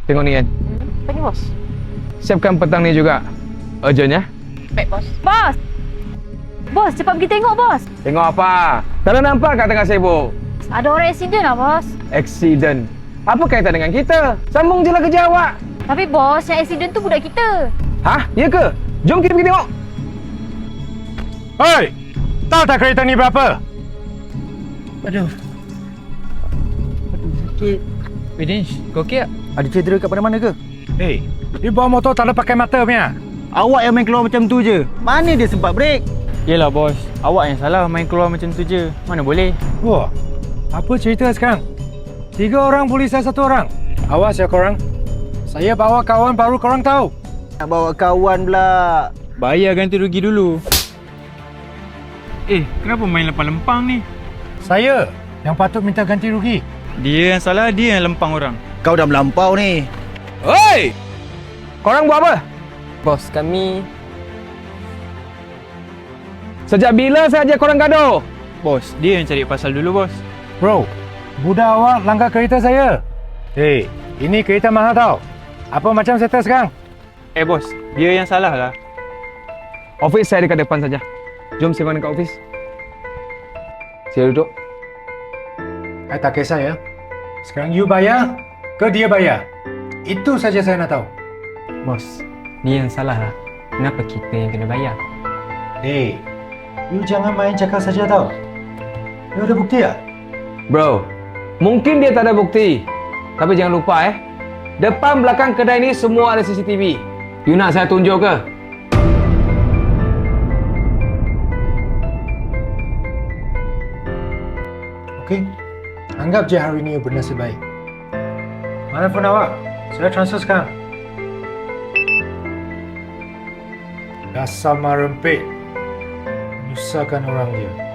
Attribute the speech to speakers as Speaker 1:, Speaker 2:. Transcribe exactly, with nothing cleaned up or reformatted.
Speaker 1: Tengok ni kan.
Speaker 2: Hmm, apa ni bos?
Speaker 1: Siapkan petang ni juga. Urgent ya.
Speaker 2: Baik bos. Bos! Bos, cepat pergi tengok bos.
Speaker 1: Tengok apa? Tak ada nampak kat tengah sibuk.
Speaker 2: Ada orang aksiden lah bos.
Speaker 1: Accident. Apa kaitan dengan kita? Sambung je lah kerja awak.
Speaker 2: Tapi bos, yang aksiden tu budak kita.
Speaker 1: Hah? Ya ke? Jom kita pergi tengok.
Speaker 3: Hei! Tahu tak kereta ni berapa?
Speaker 4: Aduh. Aduh, sakit.
Speaker 5: Widish, kau okey tak?
Speaker 4: Ada cedera kat mana-mana ke?
Speaker 3: Hei, dia bawa motor tak ada pakai mata punya.
Speaker 4: Awak yang main keluar macam tu je. Mana dia sempat break?
Speaker 5: Yelah bos, awak yang salah main keluar macam tu je. Mana boleh?
Speaker 3: Wah, apa cerita sekarang? Tiga orang polis dan satu orang. Awas ya korang. Saya bawa kawan baru korang tahu.
Speaker 4: Nak bawa kawan pula.
Speaker 5: Bayar ganti rugi dulu. Eh, kenapa main lempang-lempang ni?
Speaker 3: Saya yang patut minta ganti rugi.
Speaker 5: Dia yang salah, dia yang lempang orang.
Speaker 4: Kau dah melampau ni.
Speaker 1: Hei! Korang buat apa?
Speaker 6: Bos, kami...
Speaker 1: Sejak bila saja korang gaduh?
Speaker 5: Bos, dia yang cari pasal dulu bos.
Speaker 3: Bro, budak awak langgar kereta saya. Hei, ini kereta mahal tau. Apa macam settle sekarang?
Speaker 5: Eh bos, dia yang salah lah.
Speaker 1: Office saya dekat depan saja. Jom sembang dekat office. Sila duduk.
Speaker 3: Saya tak kisah ya. Sekarang you bayar ke dia bayar? Itu saja saya nak tahu.
Speaker 6: Bos, dia yang salah lah. Kenapa kita yang kena bayar?
Speaker 3: Hei, you jangan main cakap saja tau. You ada bukti tak?
Speaker 1: Bro, mungkin dia tak ada bukti. Tapi jangan lupa eh. Depan belakang kedai ni semua ada C C T V. You nak saya tunjuk ke?
Speaker 3: Okey. Anggap je hari ini you bernasib baik. Mana phone awak? Saya transfer sekarang. Dasar marempit. Menyusahkan orang dia.